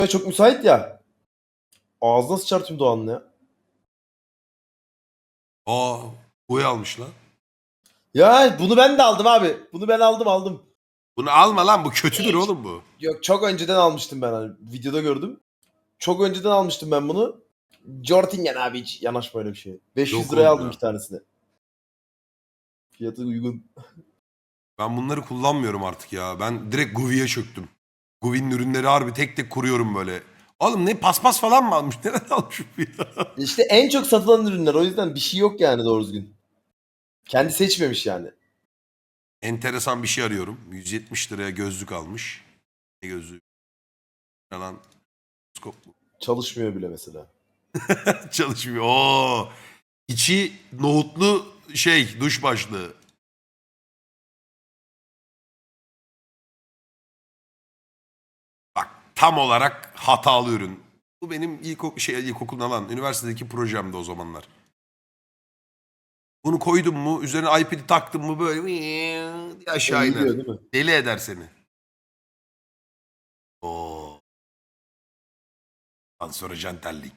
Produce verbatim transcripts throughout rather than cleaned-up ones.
çok müsait ya. Ağzına sıçar tüm Doğan'ın ya. Aa, boy almış lan. Ya bunu ben de aldım abi. Bunu ben aldım aldım. Bunu alma lan, bu kötüdür oğlum bu. Yok çok önceden almıştım ben hani videoda gördüm. Çok önceden almıştım ben bunu. Jortingen abi hiç yanaşma öyle bir şey. beş yüz Yok liraya oğlum aldım ya. iki tanesini. Fiyatı uygun. Ben bunları kullanmıyorum artık ya. Ben direkt Guvi'ye çöktüm. Guvi'nin ürünleri harbi tek tek kuruyorum böyle. Oğlum ne paspas falan mı almış? Nereden almış bu ya? İşte en çok satılan ürünler o yüzden bir şey yok yani doğru düzgün. Kendi seçmemiş yani. Enteresan bir şey arıyorum. yüz yetmiş liraya gözlük almış. Ne gözlüğü? Lan skop mu? Çalışmıyor bile mesela. Çalışmıyor. Oo. İçi nohutlu şey, duş başlığı. Bak, tam olarak hatalı ürün. Bu benim ilk şey ilkokuldan lan üniversitedeki projemdi o zamanlar. Bunu koydum mu, üzerine iPad'i taktım mı böyle diye aşağı iner. Eğiliyor değil mi? Deli eder seni. Oo. Ondan sonra jantellik.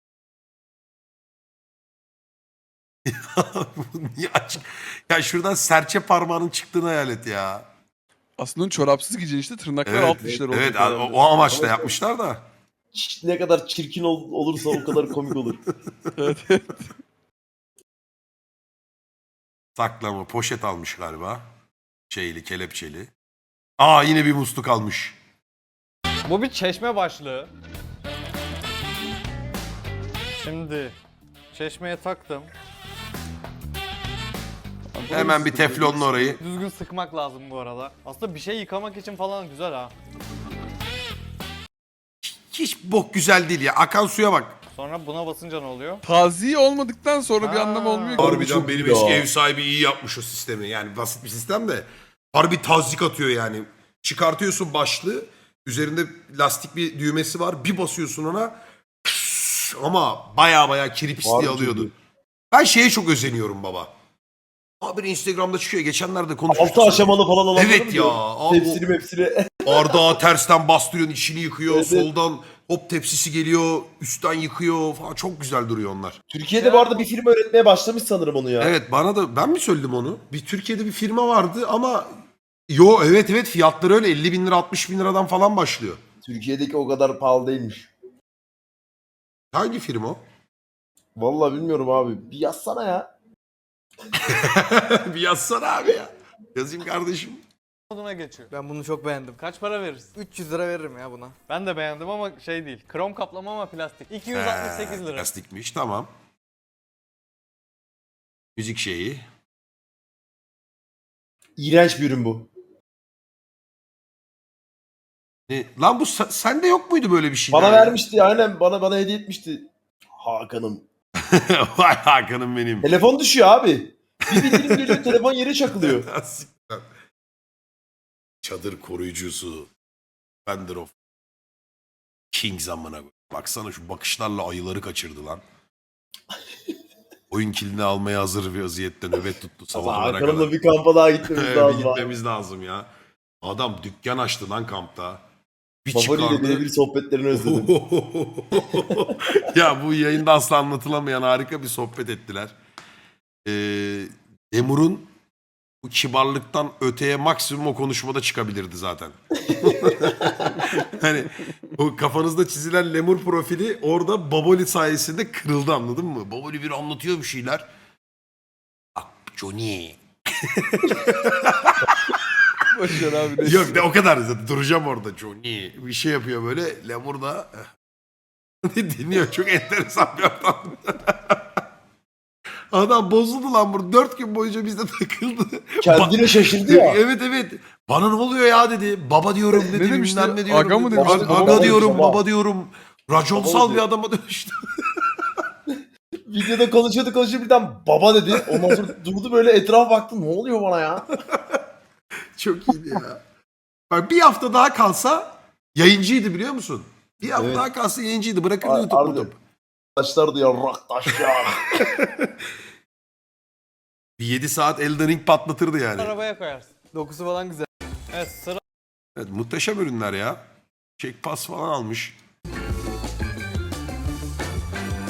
Bu niye açık? Ya şuradan serçe parmağının çıktığını hayal et ya. Aslında çorapsız giyeceksin işte tırnaklar Evet, alt dişler olacak. evet o, herhalde. o amaçla Ama- yapmışlar da. Ç- Ne kadar çirkin ol- olursa o kadar komik olur. Evet, evet. Saklama poşet almış galiba. Şeyli, kelepçeli. Aa, yine bir musluk almış. Bu bir çeşme başlığı. Şimdi çeşmeye taktım. Hemen bir teflonla orayı. Düzgün sıkmak lazım bu arada. Aslında bir şey yıkamak için falan güzel ha. Hiç bok güzel değil ya. Akan suya bak. Sonra buna basınca ne oluyor? Taziye olmadıktan sonra bir Ha. anlamı olmuyor ki. Harbiden çok benim iyi eski ya. ev sahibi iyi yapmış o sistemi. Yani basit bir sistem de. Harbi tazik atıyor yani. Çıkartıyorsun başlığı. Üzerinde lastik bir düğmesi var. Bir basıyorsun ona. Ama baya baya kiri pisliği Harbi alıyordu. çok iyi. Ben şeye çok özeniyorum baba. Abi Instagram'da çıkıyor. Geçenlerde konuşmuştuk. Altı aşamalı falan olanları Evet mı ya. diyor? Abi o- Tepsili mepsili. Bardağı tersten bastırıyorsun, içini yıkıyor. Evet, evet. Soldan hop tepsisi geliyor. Üstten yıkıyor falan. Çok güzel duruyor onlar. Türkiye'de bu arada bir firma üretmeye başlamış sanırım onu ya. Evet, bana da ben mi söyledim onu? Bir Türkiye'de bir firma vardı ama yo evet evet fiyatları öyle elli bin lira altmış bin liradan falan başlıyor. Türkiye'deki o kadar pahalı değilmiş. Hangi firma o? Vallahi bilmiyorum abi. Bir yazsana ya. Bir yazsana abi ya. Yazayım kardeşim. Moduna geçiyor. Ben bunu çok beğendim. Kaç para verirsin? üç yüz lira veririm ya buna. Ben de beğendim ama şey değil. Krom kaplama ama plastik. iki yüz altmış sekiz Ee, lira. Plastikmiş, tamam. Müzik şeyi. İğrenç bir ürün bu. Ne? Lan bu sa- sende yok muydu böyle bir şey? Bana vermişti aynen bana bana hediye etmişti. Hakan'ım. Vay Hakan'ım benim. Telefon düşüyor abi. Bir bildirim geliyor telefon yere çakılıyor. Çadır koruyucusu. Fender of King zamana. Baksana şu bakışlarla ayıları kaçırdı lan. Oyun kilidini almaya hazır bir vaziyette nöbet tuttu sabahlara kadar. Hakan'ımla bir kampa daha gitmemiz Evet, lazım bir abi. gitmemiz lazım ya. Adam dükkan açtı lan kampta. Bir Baboli ile çıkardı. birebir sohbetlerini özledim. Ya bu yayında asla anlatılamayan harika bir sohbet ettiler. Ee, Lemur'un bu kibarlıktan öteye maksimum o konuşmada çıkabilirdi zaten. Hani o kafanızda çizilen Lemur profili orada Baboli sayesinde kırıldı, anladın mı? Baboli bir anlatıyor bir şeyler. Bak Johnny. Boşver abi. ne Yok de o kadar zaten duracağım orada Johnny. Bir şey yapıyor böyle. Lemur da dinliyor. Çok enteresan bir adam. Adam bozuldu lan burada. Dört gün boyunca bizde takıldı. Kendine şaşırdı ya. Evet evet. Bana ne oluyor ya dedi. Baba diyorum dedi. Ne demişti? bilmem ne diyorum. Aga mı dedi. demişti? Aga, Baba aga demiş, diyorum baba. baba diyorum. Raconsal Baba bir diyor. adama dönüştü. Videoda konuşuyordu konuşuyordu birden baba dedi. Ondan sonra durdu böyle etrafa baktı. Ne oluyor bana ya? Çok iyiydi ya. Bak bir hafta daha kalsa yayıncıydı biliyor musun? Bir hafta Evet. daha kalsa yayıncıydı. Bırakırdı Ar- YouTube harbiden. YouTube. Taşlar diyor rak taş ya. Bir yedi saat Elden Ring patlatırdı yani. Arabaya koyarsın. Dokusu falan güzel. Evet sıra Evet, muhteşem ürünler ya. Check pass falan almış.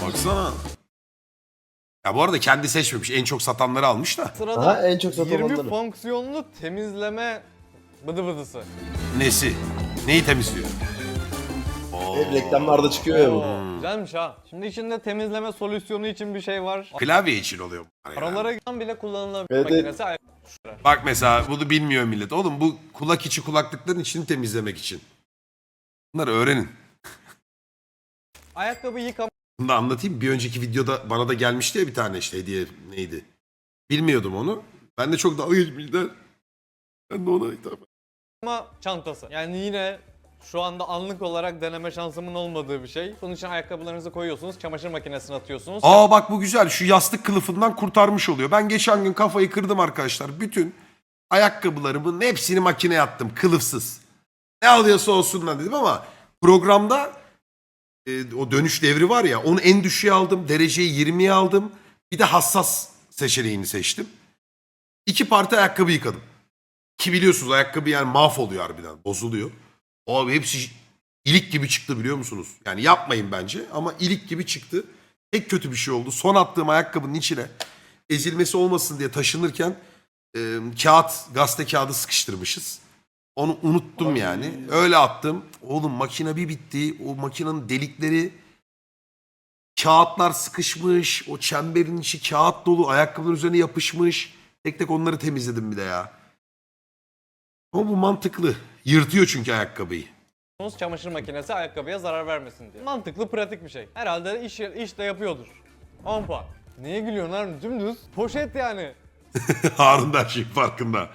Baksana. Ya bu arada kendi seçmemiş. En çok satanları almış da. Sırada Aha, en çok yirmi satılanları. fonksiyonlu temizleme bıdı bıdısı. Nesi? Neyi temizliyor? Oo. Hep reklamlarda çıkıyor ya bu. Oo, güzelmiş ha. Şimdi içinde temizleme solüsyonu için bir şey var. Klavye için oluyor bunlar ya. Aralara giden bile kullanılabilir Evet, makinesi. Ay- Bak mesela bunu bilmiyor millet. Oğlum bu kulak içi kulaklıkların içini temizlemek için. Bunları öğrenin. Ayakkabı yıkama Bunu da anlatayım. Bir önceki videoda bana da gelmişti ya bir tane işte hediye neydi. Bilmiyordum onu. Ben de çok dalga geçmişler. Ben de ona hitap çantası. Yani yine şu anda anlık olarak deneme şansımın olmadığı bir şey. Bunun için ayakkabılarınızı koyuyorsunuz, çamaşır makinesine atıyorsunuz. Aa bak bu güzel. Şu yastık kılıfından kurtarmış oluyor. Ben geçen gün kafayı kırdım arkadaşlar. Bütün ayakkabılarımın hepsini makineye attım. Kılıfsız. Ne alıyorsa olsun lan dedim ama programda e, o dönüş devri var ya onu en düşüğe aldım. Dereceyi yirmiye aldım. Bir de hassas seçeneğini seçtim. İki parti ayakkabı yıkadım. Ki biliyorsunuz ayakkabı yani mahvoluyor harbiden. Bozuluyor. Abi hepsi ilik gibi çıktı biliyor musunuz? Yani yapmayın bence ama ilik gibi çıktı. Tek kötü bir şey oldu. Son attığım ayakkabının içine ezilmesi olmasın diye taşınırken e, kağıt, gazete kağıdı sıkıştırmışız. Onu unuttum yani. Öyle attım. Oğlum makine bir bitti. O makinenin delikleri kağıtlar sıkışmış. O çemberin içi kağıt dolu. Ayakkabıların üzerine yapışmış. Tek tek onları temizledim bir de ya. Ama bu mantıklı. Yırtıyor çünkü ayakkabıyı. Çamaşır makinesi ayakkabıya zarar vermesin diye. Mantıklı, pratik bir şey. Herhalde iş, iş de yapıyordur. on puan. Niye gülüyorsun Harun? Dümdüz. Poşet yani. Harun da her şeyin farkında.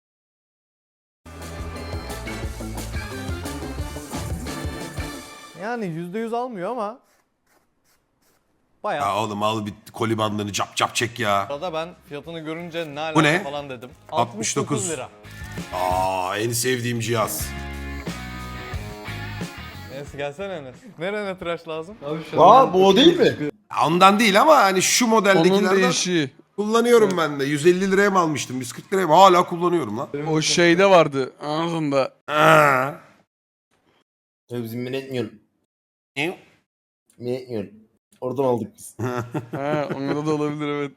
Yani yüzde yüz almıyor ama bayağı. Ya oğlum al bir koli bandını cap cap çek ya. Arada ben fiyatını görünce ne Bu alaka ne? falan dedim. altmış dokuz. altmış dokuz lira. Aa en sevdiğim cihaz. Enes gelsene Enes. Nerene tıraş lazım? Aa bu o değil mi? Ondan değil ama hani şu Onun modeldekilerden değişiği. kullanıyorum ben de. yüz elli liraya mı almıştım? yüz kırk liraya mı? Hala kullanıyorum lan. O şeyde vardı ağzında. Aa. Bizim minetmiyorum. Ne? Minetmiyorum. Oradan aldık biz. Ha, onda da olabilir evet.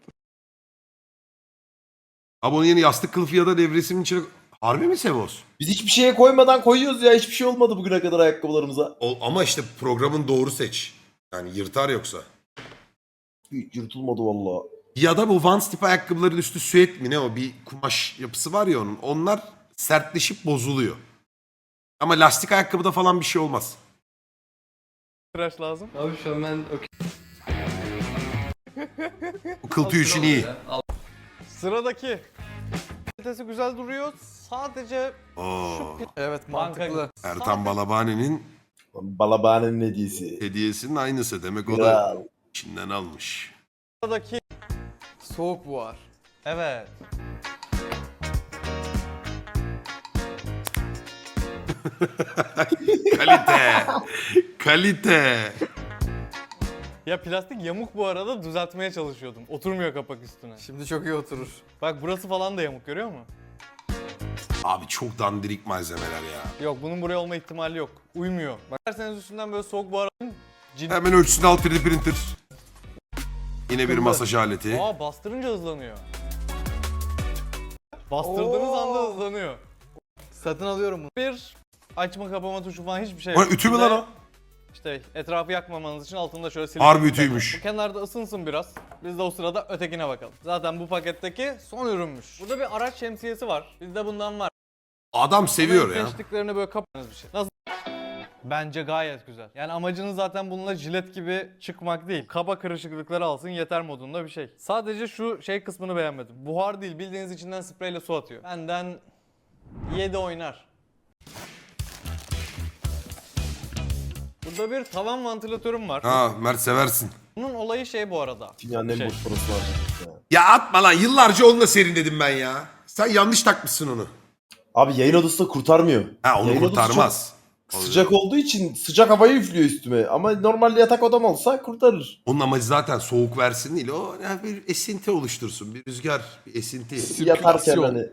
Abi onun yeni yastık kılıfı ya da devresimin içine... Harbi mi Sevos? Biz hiçbir şeye koymadan koyuyoruz ya. Hiçbir şey olmadı bugüne kadar ayakkabılarımıza. O, ama işte programın doğru seç. Yani yırtar yoksa. Hiç yırtılmadı valla. Ya da bu Vans tip ayakkabıların üstü süet mi ne o bir kumaş yapısı var ya onun. Onlar sertleşip bozuluyor. Ama lastik ayakkabıda falan bir şey olmaz. Tıraş lazım. Abi şu an ben okey. Bu kıl tüyü için iyi. Sıradaki. Kalitesi güzel duruyor. Sadece Oo, Evet mantıklı. Ertan Balabani'nin Balabane'nin hediyesi. hediyesinin aynısı. Demek o da Kral. içinden almış. Sıradaki. Soğuk buhar. Evet. Kalite. Kalite. Ya plastik yamuk bu arada, düzeltmeye çalışıyordum. Oturmuyor kapak üstüne. Şimdi çok iyi oturur. Bak burası falan da yamuk, görüyor musun? Abi çok dandirik malzemeler ya. Yok, bunun buraya olma ihtimali yok. Uymuyor. Bak derseniz üstünden böyle soğuk buhar alın. Cin... Hemen ölçüsünü al üç D printer. Yine bir masaj aleti. Aa, bastırınca hızlanıyor. Bastırdığınız Oo. anda hızlanıyor. Satın alıyorum bunu. Bir açma kapama tuşu falan hiçbir şey Lan yok. ütü mü Bir de lan o? İşte etrafı yakmamanız için altında şöyle silikon. Harbi bir ütüymüş. tane. Bu kenarda ısınsın biraz. Biz de o sırada ötekine bakalım. Zaten bu paketteki son ürünmüş. Burada bir araç şemsiyesi var. Bizde bundan var. Adam seviyor ya. Seçtiklerini böyle kapatınız bir şey. Nasıl? Bence gayet güzel. Yani amacınız zaten bununla jilet gibi çıkmak değil. Kaba kırışıklıkları alsın yeter modunda bir şey. Sadece şu şey kısmını beğenmedim. Buhar değil, bildiğiniz içinden spreyle su atıyor. Benden yedi oynar. Burada bir tavan vantilatörüm var. Ha Mert seversin. Bunun olayı şey bu arada. Dünyanın en Şey. boş parası var. Ya. Ya atma lan yıllarca onunla serinledim ben ya. Sen yanlış takmışsın onu. Abi yayın odası da kurtarmıyor. Ha onu Yayın odası kurtarmaz. çok sıcak olduğu için sıcak havayı üflüyor üstüme. Ama normal yatak odam olsa kurtarır. Onun amacı zaten soğuk versin değil. O yani bir esinti oluştursun. Bir rüzgar, bir esinti. Yatarken Sirkülasyon. hani.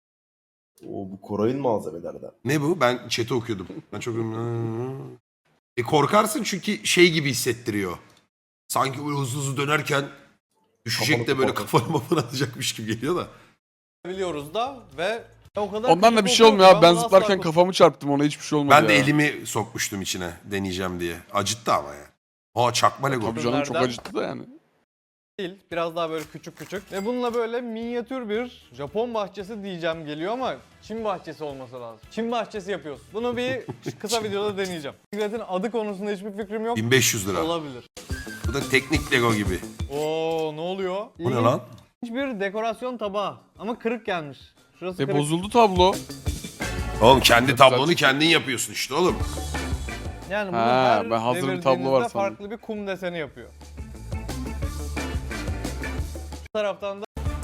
O bu Koray'ın malzemelerden. Ne bu? Ben chat'i okuyordum. Ben çok... E korkarsın çünkü şey gibi hissettiriyor. Sanki böyle hızlı hızlı dönerken düşecek Kafanı de böyle kopartır. kafanı mafını atacakmış gibi geliyor da. biliyoruz da ve o kadar Ondan da küçük bir şey olmuyor oldu abi. ki Ben bunu zıplarken asla kafamı çarptım, ona hiçbir şey olmadı Ben de ya. elimi sokmuştum içine deneyeceğim diye. Acıttı ama ya. Aa çakma Lego. Tabii canım, çok Bunlardan- acıttı da yani. değil. Biraz daha böyle küçük küçük. Ve bununla böyle minyatür bir Japon bahçesi diyeceğim geliyor ama Çin bahçesi olması lazım. Çin bahçesi yapıyoruz. Bunu bir kısa videoda deneyeceğim. Bisikletin adı konusunda hiçbir fikrim yok. bin beş yüz lira. Olabilir. Bu da teknik Lego gibi. Oo ne oluyor? Bu ne lan? İlginç bir dekorasyon tabağı ama kırık gelmiş. Şurası E kırık. bozuldu tablo. Oğlum kendi tablonu Güzel. kendin yapıyorsun işte oğlum. Yani bunu Ha, her ben hazır bir tablo var devirdiğinizde sandım. farklı bir kum deseni yapıyor. Bu taraftan da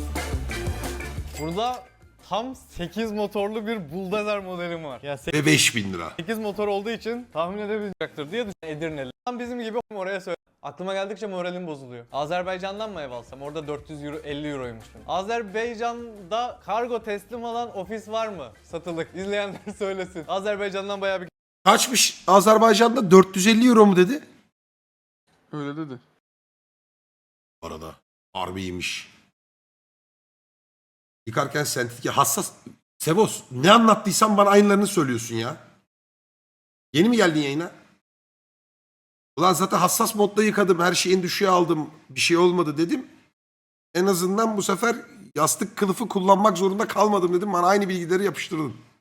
burada tam sekiz motorlu bir buldozer modelim var. Ya Ve beş bin lira. sekiz motor olduğu için tahmin edebilecektir diye düşünüyorum. Edirneli. Tam bizim gibi oraya söyle. Aklıma geldikçe moralim bozuluyor. Azerbaycan'dan mı ev alsam? Orada dört yüz euro, elli euroymuş. Azerbaycan'da kargo teslim alan ofis var mı? Satılık. İzleyenler söylesin. Azerbaycan'dan bayağı bir Kaçmış Azerbaycan'da dört yüz elli euro mu dedi? Öyle dedi. Bu arada harbiymiş. Yıkarken sentetik hassas. Sebos ne anlattıysan bana aynılarını söylüyorsun ya. Yeni mi geldin yayına? Ulan zaten hassas modda yıkadım. Her şeyi en düşüğe aldım. Bir şey olmadı dedim. En azından bu sefer yastık kılıfı kullanmak zorunda kalmadım dedim. Bana aynı bilgileri yapıştırdın.